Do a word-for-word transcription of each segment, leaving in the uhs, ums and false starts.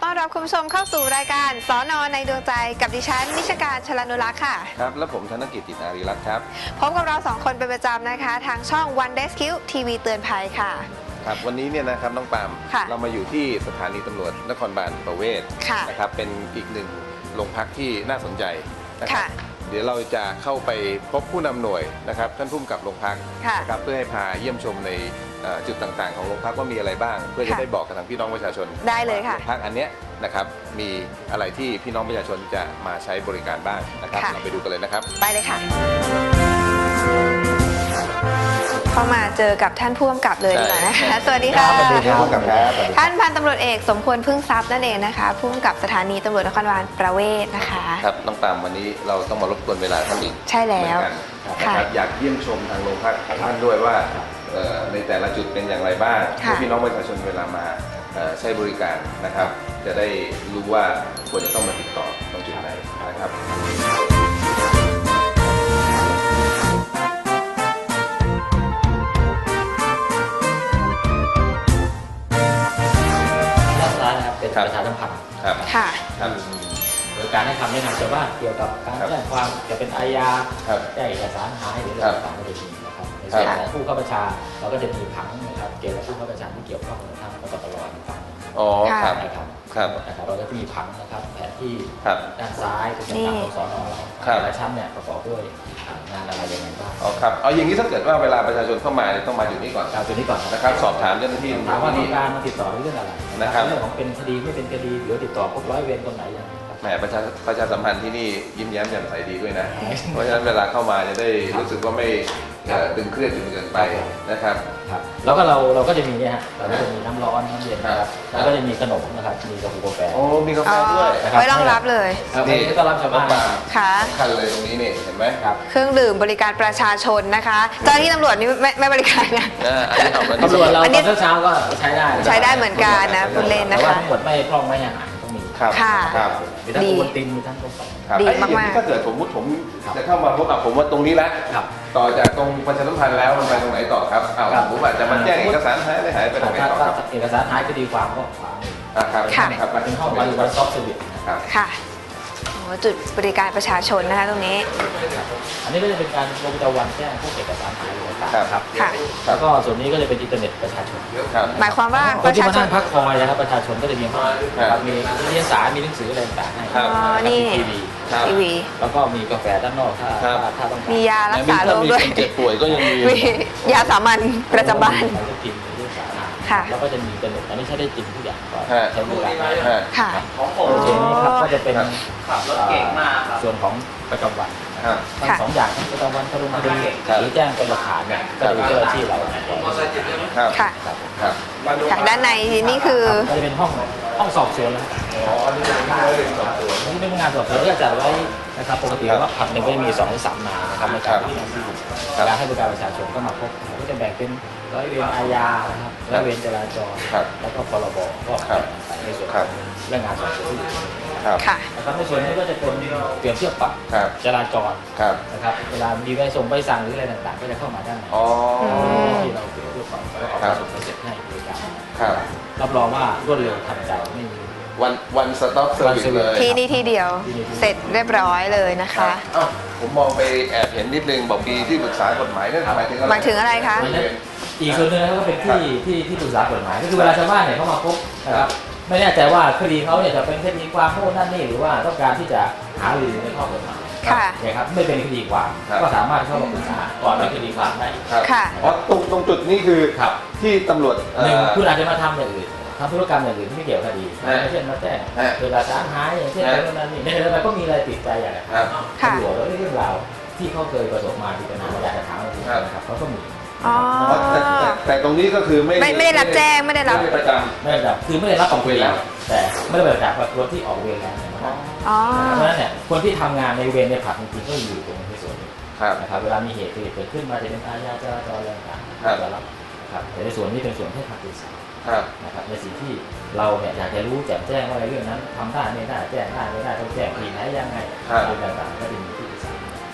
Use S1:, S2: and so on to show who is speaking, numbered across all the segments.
S1: ต้อนรับคุณผู้ชมเข้าสู่รายการสน.ในดวงใจกับดิฉันนิชการชลานุรักษ์ค่ะ
S2: ครับและผมธนกิจ จิตอารีรัตน์ครับ
S1: พบกับเราสองคนเป็นประจำนะคะทางช่อง One Rescue ทีวีเตือนภัยค่ะ
S2: ครับวันนี้เนี่ยนะครับน้องปามเรามาอยู่ที่สถานีตำรวจนครบาลประเวศนะครับเป็นอีกหนึ่งโรงพักที่น่าสนใจนะครับเดี๋ยวเราจะเข้าไปพบผู้นำหน่วยนะครับท่านผู้กำกับโรงพักนะครับเพื่อให้พาเยี่ยมชมในจุดต่างๆของโรงพักว่ามีอะไรบ้างเพื่อจะได้บอกกับทางพี่น้องประชาชน
S1: ได้เลยค่ะ
S2: โรงพักอันเนี้ยนะครับมีอะไรที่พี่น้องประชาชนจะมาใช้บริการบ้างนะครับเราไปดูกันเลยนะครับ
S1: ไปเลยค่ะเข้ามาเจอกับท่านผู้กำกับเลยดีกว่านะคะสวัสดีค่ะท่านพันตำรวจเอกสมควรพึ่งทรัพย์นั่นเองนะคะผู้กำกับสถานีตำรวจนครบาลประเวศนะคะ
S2: ครับน้องปามวันนี้เราต้องมารบกวนเวลาท่านอีก
S1: ใช่แล้ว
S2: นะครับอยากเยี่ยมชมทางโรงพักของท่านด้วยว่าในแต่ละจุดเป็นอย่างไรบ้างเพื่อพี่น้องประชาชนเวลามาใช้บริการนะครับจะได้รู้ว่าควรจะต้องมาติดต่อตรงจุดไหนนะครับ
S3: เป็นประชาสัมพันธ์
S2: ครับ
S1: ค่ะ
S3: โดยการให้คำแนะนำชาวบ้านเกี่ยวกับการแจ้งความจะเป็นอาญาแจ้งเอกสารหายหรืออะไรต่างๆก็จะมีนะครับในส่วนของผู้เข้าประชาเราก็จะมีผังนะครับเกี่ยวกับผู้เข้าประชาที่เกี่ยวข้องกับทางกตลผัง
S2: อ๋อครับ
S3: นะครับ
S2: ครับ
S3: นะครับเราก็จะมีผังนะครับแผนที่ด้านซ้ายเป็นทางของสน.เราแต่ละชั้นเนี่ยประกอบด้วยงานอะไรยังไงบ้าง
S2: อ๋อครับเอาอย่างนี้ถ้าเกิดว่าเวลาประชาชนเข้ามาต้องมาอยู่นี่ก่อน
S3: จุดนี้ก่อน
S2: นะครับสอบถามเจ้าหน้าที่
S3: ถามว่าต้องการมาติดต่อเรื่องอะไรนะครับเรื่องของเป็นคดีไม่เป็นคดีเดี๋ยวติดต่อพบร้อยเวรตรงไหนยัง
S2: แหมประชาประชาสัมพันธ์ที่นี่ยิ้มแย้มแจ่มใสดีด้วยนะเพราะฉะนั้นเวลาเข้ามาจะได้รู้สึกว่าไม่ตึงเครียดจนเกินไปนะครับ
S3: ครับแล้วก็เราเราก็จะมีเนี่ยฮะเราก็จะมีน้ำร้อนน้ำเย็นนะครับแล้วก็จะมีขนมนะครับมีกาแฟกาแฟ
S2: โอ้มีกาแฟด้วย
S1: ไว้รองรับเลย
S3: นี่ต้อนรับชาวบ้าน
S1: ค่ะ
S2: คันเลยตรงนี้นี่เห็นไหม
S1: ครับเครื่องดื่มบริการประชาชนนะคะเจ้าหน้าที่ตำรวจนี่ไม่ไม่บริการนะ
S3: ตำรวจเราตอนเช้าก็ใช้ได้
S1: ใช้ได้เหมือนกันนะคุณเล่นนะคะ
S3: แต่ว่าทั้งหมดไม่พร่องไม่อาหารต้องมี
S2: ครับครับ
S3: มีทั้งโอวัลตินมีทั้งกาแฟ
S1: ดีมาก
S2: ๆถ้าเกิดผมผมจะเข้ามาพบกับผมว่าตรงนี้แล้วต่อจากตรงประชาสัมพันธ์แล้วมันไปตรงไหนต่อครับอ้าวผมอาจจะมาแจ้งเอกสารหายไปหายไปตรงไหนต่อครับ
S3: เอกสารหายคดีความก็ขวามือ
S2: ครับ
S3: ครับมาถึงห้องบริการซอฟต์เซอร์วิส
S2: ครับ
S1: ค่ะจุดบริการประชาชนนะคะตรงนี้
S3: อันนี้ก็จะเป็นการลงประจำวันแจ้งพวกเอกสารหายต่างๆครับ
S1: ค่ะ
S3: แล้วก็ส่วนนี้ก็จะเป็นอินเทอร์เน็ตประชาชน
S1: หมายความว่า
S3: ประชาชนพักคอยนะครับประชาชนก็จะมีห้องมีนิตยสารมีหนังสืออะไรต่างๆให้
S1: นี่
S3: ทีวี
S1: ทีวี
S3: แล้วก็มีกาแฟด้านนอกถ้าถ้าต้อง
S1: มียารักษาโรคด้วย
S2: เจ็บป่วยก็ยังมี
S1: ยาสามัญประจำบ้าน
S3: แล้วก็จะมีเป็นอันนี้ใช้ได้จริงทุกอย่างก็ใช้บริการ
S1: ค่ะ
S3: ของผมโอเคนี่ครับก็จะเป็นส่วนของประจำวันทั้งสองอย่างประจำวันคดีคดีหรือแจ้งเป็นหลักฐานเนี่ยก็ดูเจ้าหน้าที่เรา
S1: ค่ะด้านในนี่คือ
S3: ก็จะเป็นห้องห้องสอบสวนแล้วอ๋ออันนี้เป็นสอบสวนนี่เป็นงานสอบสวนก็จะไว้นะครับปกติว่าผับหนึ่งก็จะมีสองถึงสามนายนะครับในการที่การให้บริการประชาชนก็มาพบก็จะแบ่งเป็นร้อยเวรอาญานะครับร้อยเวรจราจรแล้วก็พรบก็ในส่วนเรื่องงานสอบสวนนะครับในส่วนนี้ก็จะเป็นเปรียบเทียบปรับจราจรนะครับเวลามีใบส่งใบสั่งหรืออะไรต่างๆก็จะเข้ามาด้านในที่เราเปรียบเทียบปรับแล้วออกมาส่งเสร็จให้บริการรับรองว่ารวดเร็วทันใจไม่มี
S2: วันวันสต็อปเซอร์วิสเลย
S1: ที่นี่ที่เดียวเสร็จเรียบร้อยเลยนะคะ
S2: ผมมองไปแอบเห็นนิดนึงบอกมีที่ปรึกษากฎหมายนั่นหมายถึงอะไร
S1: หมายถึงอะไรคะ
S3: อีกส่วนหนึ่งก็เป็นที่ที่ที่ปรึกษากฎหมายก็คือเวลาชาวบ้านเนี่ยเขามาพบนะครับไม่แน่ใจว่าคดีเขาเนี่ยจะเป็นคดีความโน่นนั่นนี่หรือว่าต้องการที่จะหาหรือในข้อกฎหมายเนี่ยครับไม่เป็นคดีความก็สามารถเข้ามาปรึกษาก่อนเป็นคดีความได้
S1: ค่ะ
S2: อ๋อตรงตรงจุดนี้คือที่ตำรวจ
S3: หนึ่งคุณอาจจะมาทำอย่างอื่นทำธุรกรรมอย่างอื่นที่ไม่เกี่ยวกับคดีเช่นมาแจ้งเวลาสารหายอย่างเช่นอะไรนั่นนี่ในเรื่องอะไรก็มีอะไรติดใจอย่างไรตำรวจแล้วเรื่องราวที่เขาเคยประสบมาที่ปัญหาอยากจะถามอะไรนะครับเขาก็มี
S2: แต่ตรงนี้ก็คือไม่
S1: ไม่ได้รับแจ้งไม่ได้รับ
S2: ประจำ
S3: ไม่ได้รับคือไม่ได้รับออกเวรแล้วแต่ไม่ได้ประจำคนที่ออกเวรแล้วนะครับเพราะฉะนั้นเนี่ยคนที่ทำงานในเวรในผับจริงๆก็อยู่ตรงในส่วนนี้นะครับเวลามีเหตุเกิดขึ้นมาจะเป็นอาญาจราจรอะไรต่างๆจะรับนะครับแต่ในส่วนนี้เป็นส่วนที่ทำเป็นสายนะครับในสิ่งที่เราเนี่ยอยากจะรู้แจ้งแจ้งว่าในเรื่องนั้นทำได้ไม่ได้แจ้งได้ไม่ได้ต้องแจ้งทีไหนยังไงเรื่องต่างๆก็จะมีที่ปรึกษา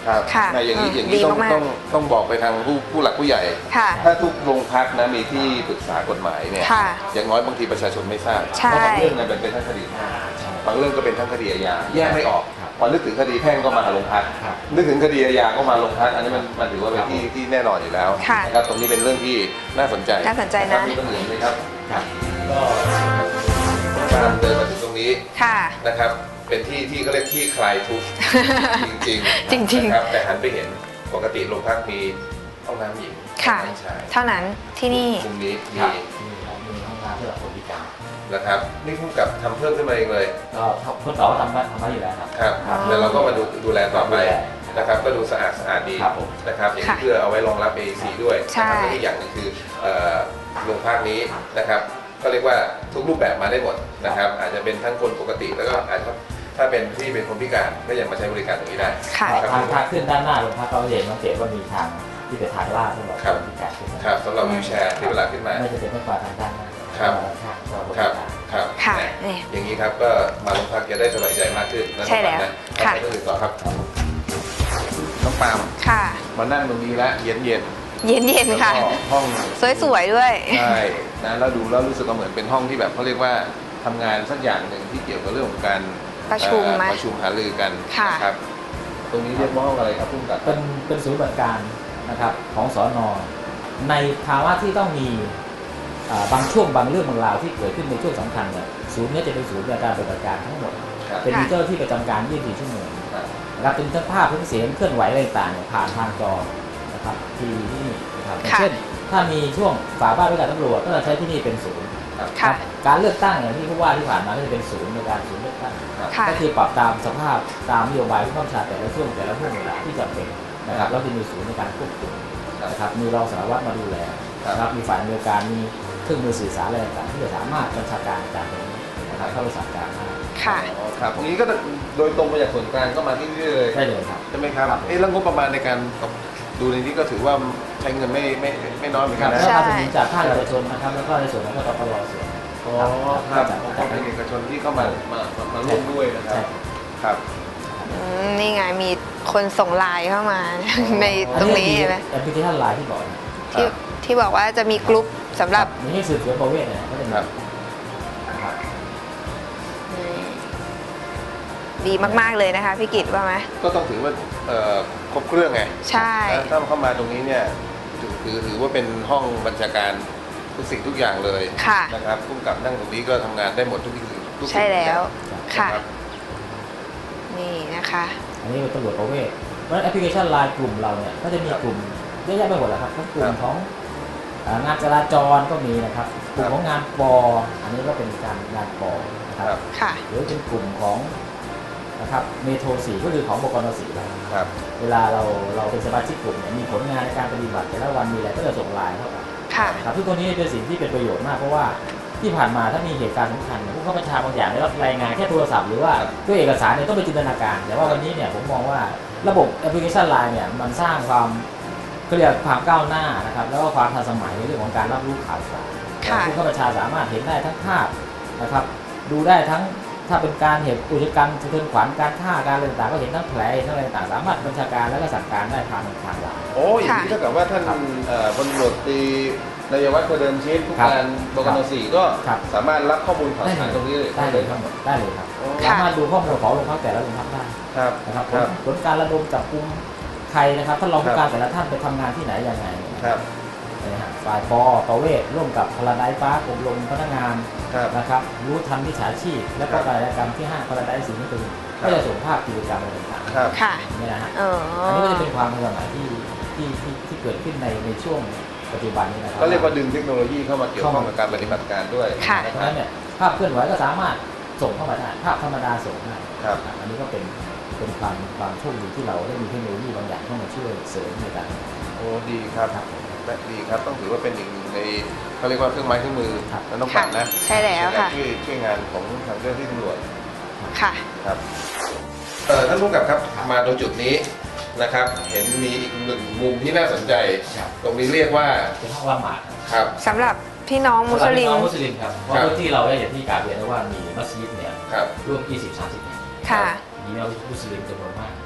S2: ครับ
S1: ค่ะ
S2: ในอย่างนี้
S1: อืม
S2: อย่างนี้ต้อง
S1: ดีมากๆ
S2: ต้องต้องบอกไปทางผู้ผู้หลักผู้ใหญ่
S1: ค่ะ
S2: ถ้าทุกโรงพักนะมีที่ปรึกษากฎหมายเนี่ย
S1: ค่ะ
S2: อย่างน้อยบางทีประชาชนไม่ทราบ
S1: ใช่
S2: เพราะบางเรื่องเนี่ยมันเป็นทั้งคดีแพ่งบางเรื่องก็เป็นทั้งคดีอาญาแยกไม่ออกพอนึกถึงคดีแพ่งก็มาหาโรงพักนึกถึงคดีอาญาก็มาโรงพักอันนี้มันมันถือว่าเป็นที่ที่แน่นอนอยู่แล้ว
S1: ค่ะ
S2: นะครับตรงนี้เป็นเรื่องที่น่าสนใจ
S1: น่าสนใจนะ
S2: มีตรงอื่นไหมครับ
S3: ครับก็
S2: การเดินมาถึงตรงนี้
S1: ค่ะ
S2: นะครับเป็นที่ที่เขาเรียกที่คลายทุกข์จริงๆ
S1: จริงๆ
S2: นะครับแต่หันไปเห็นปกติโรงพักมีห้องน้ำหญิง
S1: ค่ะ
S2: ห้องน้ำชาย
S1: เท่านั้นที่นี่
S2: มุมนี้มี
S3: ครับมีมีห้องน้ำสำหรับคนพิการ
S2: นะครับนี่พุ่งกับทำเพิ่มขึ้นมาเองเลย
S3: ก็ทดสอบทำบ้านทำบ้านอยู่แล้วครับ
S2: ครับ
S1: อ๋อ
S2: แล้วเราก็มาดูดูแลต่อไป
S3: ดูแล
S2: นะครับก็ดูสะอาดสะอาดดี
S3: ครับผม
S2: นะครับอย่าง
S1: ค่ะ
S2: นี้เพื่อเอาไว้รองรับ เอ ซี ด้วย
S1: ใช่
S2: นะครับและอีกอย่างหนึงคือเอ่อโรงพักนี้นะครับก็เรียกว่าทุกรูปแบบมาได้หมดนะครับอาจจะเป็นทั้งคนปกติแล้วก็อาจจะถ้าเป็นที่เป็นคนพิการก็ยังมาใช้บริการตรงนี้ได้
S1: ค่ะ
S2: ครับ
S3: ทางทางขึ้นด้านหน้าโรงพักเราจะเห็นสังเกตว่ามีทางที่เป็นทางลาดสำหรับ
S2: ครับ
S3: คนพิการขึ้นมา
S2: ครับสำหรับวิวแชร์ที่เวลาขึ้นมา
S3: ไม่จะเป็นไม่กว่าทางด้านหน้า
S2: ครับ
S3: ทางก็บ
S2: ครับ
S3: ริการ
S2: ครับ
S1: ค่ะ
S2: นะ
S1: นี่
S2: อย่างนี้ครับก็มาโรงพักจะได้สบายใจมากขึ้นนะ
S1: ใช่แล้ว
S2: นะ
S1: ค่ะ
S2: ไปเรื่องอื่นต่อครับน้องปาล์ม
S1: ค่ะ
S2: มานั่งตรงนี้แล้วเย็นเย็น
S1: เย็นเย็น
S2: ๆ
S1: ๆค่ะ
S2: แล้วก็ห้อง
S1: สวยๆด้วย
S2: ใช่นะแล้วดูแล้วรู้สึกว่าเหมือนเป็นห้องที่แบบเขาเรียกว่าทำงานสักอย่างหนึ่งที่เกี่ยวกับเรื่องของการ
S1: ประชุม
S2: เอ่อ
S1: ไหม
S2: ประชุมหารือกัน
S1: ค่ะ
S2: นะครับตรงนี้เรียกว่าห้องอะไรครับพุ่งกับ
S3: เป็นเป็นศูนย์ปฏิบัติการนะครับของสอนอในภาวะที่ต้องมีอ่าบางช่วงบางเรื่องบางราวที่เกิดขึ้นในช่วงสำคัญเนี่ยศูนย์เนี้จะเป็นศูนย์ในการปฏิบัติการทั้งหมด
S2: ครับ
S3: เป็น
S1: ค่ะ
S3: มีเจ้าหน้าที่ประจำการยี่สิบสี่ชั่วโมง
S2: ครับ
S3: นะครับเป็นทั้งภาพทั้งเสียงเคลื่อนไหวอะไรต่างๆเนี่ยผ่านทางจอนะครับที่ที่นี่นะครับอย่าง
S1: ค่ะ
S3: เช่นถ้ามีช่วงฝ่าบ้านด้วยการตำรวจก็จะใช้ที่นี่เป็นศูนย์
S2: ครับ
S1: ค่ะ
S3: การเลือกตั้งอย่างที่ผู้ว่าที่ผ่านมาก็จะเป็นศูนย์ในการศูนย์เลือกตั้ง
S1: ค่ะ
S3: ก็คือปรับตามสภาพตามนโยบายที่ข้าราชการแต่ละช่วงแต่ละช่วงเวลาที่จำเป็นนะครับแล้วจะมีศูนย์ในการควบคุมนะครับมีรองสารวัตรมาดูแลนะครับมีฝ่ายอำนวยการมีเครื่องมือสื่อสารอะไรต่างๆที่จะสามารถบัญชาการจากตรงนี้นะครับเข้าไปสั่งการได้
S1: ค่ะ
S2: อ๋อครับตรงนี้ก็โดยตรงมาจากส่วนกลางก็มาที่นี่เลย
S3: ได้เลยครับ
S2: ใช่ไหมครับเอ๊ะแล้วงบประมาณในการดูในนี้ก็ถือว่าใช้เงินไม่ไม่ไม่น้อยเหมือน
S3: ค
S2: กั
S3: รั
S2: น
S3: บ
S2: นะ
S3: แล้ว
S1: ใช่
S3: ก็จะมีจากภาคเอกชนนะครับแล้วก็ในส่วนของกปปลส่วน
S2: อ๋อครับของภาคเอกชนที่เข้ามามามามาร่วมด้วยนะครับ
S3: ใช่
S2: ครับ
S1: อืมนี่ไงมีคนส่งไลน์เข้ามา ในตรงนี้เห็นไหม
S3: แอปพลิเคชันไลน์ที่บอกนะ
S1: ที่ที่บอกว่าจะมีกลุ่มสำหรับ
S3: นี่สืบสวนประเวศเนี่ยก็จะมี
S2: ครับ
S3: นะครับ
S1: อืมดีมากๆเลยนะคะพี่กิตว่าไหม
S2: ก็ต้องถือว่าเอ่อครบเครื่องไง
S1: ใช่
S2: นะถ้าเข้ามาตรงนี้เนี่ยถือถือถือว่าเป็นห้องบัญชาการทุกสิ่งทุกอย่างเลย
S1: ค่ะ
S2: นะครับผู้กำกับนั่งตรงนี้ก็ทำงานได้หมดทุกสิ่งทุกสิ่ง
S1: ใช่แล้ว
S2: ทุกอย่าง
S1: ค่ะ
S2: นะครับ
S1: นี่นะคะ
S3: อันนี้เป็นตำรวจประเวศเพราะฉะนั้นแอปพลิเคชันไลน์กลุ่มเราเนี่ยก็จะมีกลุ่มเยอะแยะไปหมดแหละครับทั้งกลุ่
S2: ค
S3: ม
S2: รับ
S3: ของอ่างานจราจรก็มีนะครับกลุ่มของงานปออันนี้ก็เป็นการงานปอนะค
S2: ครั
S3: รับบ
S1: ค่ะ
S3: หรือเป็นกลุ่มของนะครับเมโทรสี่ก็คือของบกนสี่นะครับ
S2: ครับ
S3: เวลาเราเราเป็นสมาชิกกลุ่มเนี่ยมีผลงานในการปฏิบัติแต่ละวันมีอะไรก็จะส่งไลน์เข้าไป
S1: ค่ะ
S3: ครับทุกตัวนี้เป็นสิ่งที่เป็นประโยชน์มากเพราะว่าที่ผ่านมาถ้ามีเหตุการณ์สำคัญเนี่ยผู้เข้าบัญชาบางอย่างได้รับรายงานแค่โทรศัพท์หรือว่าด้วยเอกสารเนี่ยต้องไปจินตนาการ แต่ว่าวันนี้เนี่ยผมมองว่าระบบแอปพลิเคชันไลน์เนี่ยมันสร้างความเขาเรียกความก้าวหน้านะครับแล้วก็ความทันสมัยในเรื่องของการรับรู้ข่าวสาร
S1: ค่ะ
S3: ผู้เข้าบัญชาสามารถเห็นได้ทั้งภาพนะครับดูได้ทั้งถ้าเป็นการเหตุอุกชะกันสะเทือนขวัญการฆ่าการอะไรต่างๆก็เห็นทั้งแผลเห็นทั้งอะไรต่างๆสามารถบัญชาการแล้วก็สั่งการได้ทางทางไลน์
S2: โอ้ยอย่างนี้เท่ากับว่าท่านเอ่อพลตำรวจตรีนายวัฒน์ประเดิมชิดผู้
S3: ครับ
S2: การบกนสี่ก็
S3: ครับ
S2: สามารถรับข้อมูลข่าวสารตรงนี้เลย
S3: ได้เลยทั้งหมดได้เลยครับ
S2: โอ้
S1: ค่ะ
S3: สามารถดูข้อมูลของโรงพักแต่ละโรงพักได้
S2: ครับ
S3: นะครับ
S2: ครับ
S3: ผลการระดมจับกุมใครนะครับท่านรองผู้การแต่ละท่านไปทำงานที่ไหนยังไง
S2: ครับ
S3: นะฮะฝ่ายปอประเวศร่วมกับพลาไดซ์ปาร์คอบรมพนักงาน
S2: ครับ
S3: นะครับรู้ทันวิชาชีพ และก็
S2: ครับ
S3: การกรรมที่ห้างพลาไดซ์สีนิตุน
S2: ครับ
S3: ก็จะส่งภาพกิจกรรมอะไรต่าง
S2: ครับ
S1: ค่ะ
S3: ๆนี่นะฮะ
S1: เออ
S3: อันนี้ก็จะเป็นความทันสมัยที่ที่ที่ที่เกิดขึ้นในในช่วงปัจจุบันนี้นะครับ
S2: ก็เรียกว่าดึงเทคโนโลยีเข้ามาเกี่ยวข้องกับการปฏิบัติการด้วย
S1: ค่ะ
S3: เพราะฉะนั้นเนี่ยภาพเคลื่อนไหวก็สามารถส่งเข้ามาได้ภาพธรรมดาส่งได้
S2: ครับ
S3: อันนี้ก็เป็นเป็นความความโชคดีที่เราได้มีเทคโนโลยีบางอย่างเข้ามาช่วยเสริมในการทำงาน
S2: โอ้ดีครับ
S3: ครับผม
S2: และดีครับต้องถือว่าเป็นอีกหนึ่งในเขาเรียกว่าเครื่องไม้เครื่องมือ
S3: ครับ
S2: และต้องปั่นนะ
S1: ใช่แล้วค่ะ
S2: ในการช่วยช่วยงานของทางเจ้าหน้าที่ตำรวจ
S1: ค่ะ
S2: ครับเอ่อท่านผู้กำกับครับมาตรงจุดนี้นะครับ เห็นมีอีกหนึ่งมุมที่น่าสนใจ
S3: ครับ
S2: ตรงนี้เรียกว่า
S3: เป็นห้องละหมาด
S2: ครับ
S1: สำหรับพี่น้องมุสลิม
S3: สำหรับพี่น้องมุสลิมครับเพราะ
S2: ครับ
S3: พื้นที่เราได้อย่างที่กล่าวเรียนแล้วว่ามีมัสยิดเนี่ย
S2: ครับ
S3: ร่วม ยี่สิบถึงสามสิบ แห่ง
S1: ค่ะ
S3: มีพี่น้องมุสลิมจำนวนมาก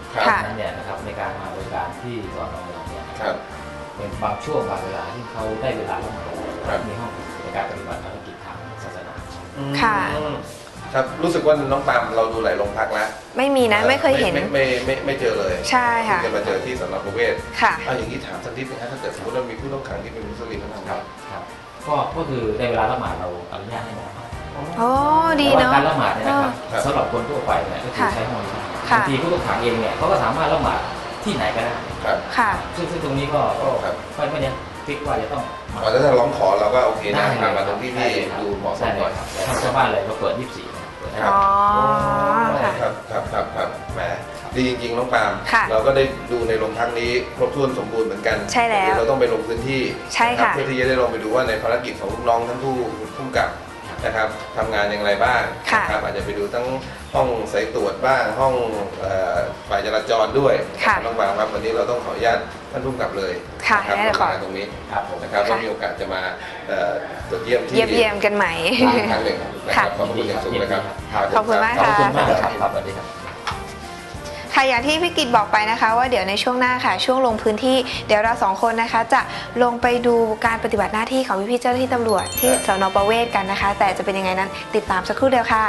S3: เพราะฉะนั้นเนี่ยนะครับในการมาบริการที่สอนอเราเนี่ยนะครับเป็นบางช่วงบางเวลาที่เขาได้เวลาแล้วมามีห้องในการปฏิบัติภารกิจทางศาสนา
S1: ค่ะ
S2: ครับรู้สึกว่าน้องปาล์มเราดูหลายโรงพักแล้ว
S1: ไม่มีนะไม่เคยเห็น
S2: ไม่ไม่ไม่ไม่เจอเลย
S1: ใช่ค่ะ
S2: จะมาเจอที่สนประเวศ
S1: ค่ะ
S2: เอาอย่างนี้ถามสักนิดนึงนะถ้าเกิดสมมติเรามีผู้ต้องขังที่เป็นมุสลิมนะครับ
S3: ครับก็ก็คือในเวลาละหมาดเราอนุญาตให้ละหมาด
S1: โอ้ดีเนาะ
S3: การละหมาดเนี่ยนะครับสำหรับคนทั่วไปเนี่ยก็คือใช้ห้องนี้บางทีผู้ต้องขังเองเนี่ยเขาก็สามารถละหมาดที่ไหนก็ได้
S1: ค่ะ
S3: ซึ่งซึ่งตรงนี้ก็ก็ไม่เนี่ยฟิกว่าจะต้อง
S2: อ๋อถ้าร้องขอเราก็โอเคนะทำมาตรงที่ที่ดูเหมาะสมหน่อย
S3: แต่ทางชาวบ้านเลยก็เปิดยี่สิบสี่
S1: อ๋อ
S2: ครับครับครับครับแหมดีจริงๆน้องปาล์มเราก็ได้ดูในโรงพักนี้ครบถ้วนสมบูรณ์เหมือนกัน
S1: ใช่แล้ว
S2: เราต้องไปลงพื้นที่
S1: ใช่ค่ะ
S2: เพื่อที่จะได้ลงไปดูว่าในภารกิจของลูกน้องท่านผู้ผู้กำกับนะครับทำงานอย่างไรบ้างนะครับอาจจะไปดูทั้งห้องสายตรวจบ้างห้องฝ่ายจราจรด้วยน้องปาล์มครับวันนี้เราต้องขออนุญาตท่านผู้กำกับเลย
S1: นะครับ
S2: มาตรงนี้นะครับแล้วมีโอกาสจะมาตรวจเยี่ยมที่
S1: เยี่ยมกันใหม่
S2: ครั้งหนึ่งนะครับขอบคุณอย่างสูงนะครับ
S1: ขอบคุณมากค่ะ
S3: ขอบคุณมากครับสวัสดีครับ
S1: ค่ะอย่างที่พี่กิตบอกไปนะคะว่าเดี๋ยวในช่วงหน้าค่ะช่วงลงพื้นที่เดี๋ยวเราสองคนนะคะจะลงไปดูการปฏิบัติหน้าที่ของพี่ๆเจ้าหน้าที่ตำรวจที่สนประเวศกันนะคะแต่จะเป็นยังไงนั้นติดตามสักครู่เดียวค่ะ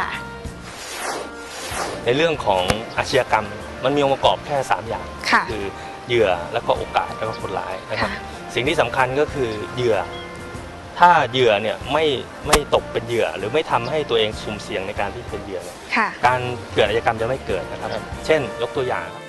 S4: ในเรื่องของอาชญากรรมมันมีองค์ประกอบแค่สามอย่างคือเหยื่อแล้วก็โอกาสแล้วก็คนร้ายนะครับสิ่งที่สำคัญก็คือเหยื่อถ้าเหยื่อเนี่ยไม่ไม่ตกเป็นเหยื่อหรือไม่ทำให้ตัวเองสุ่มเสี่ยงในการที่เป็นเหยื่อการเกิดอาชญากรรมจะไม่เกิดนะครับเช่นยกตัวอย่าง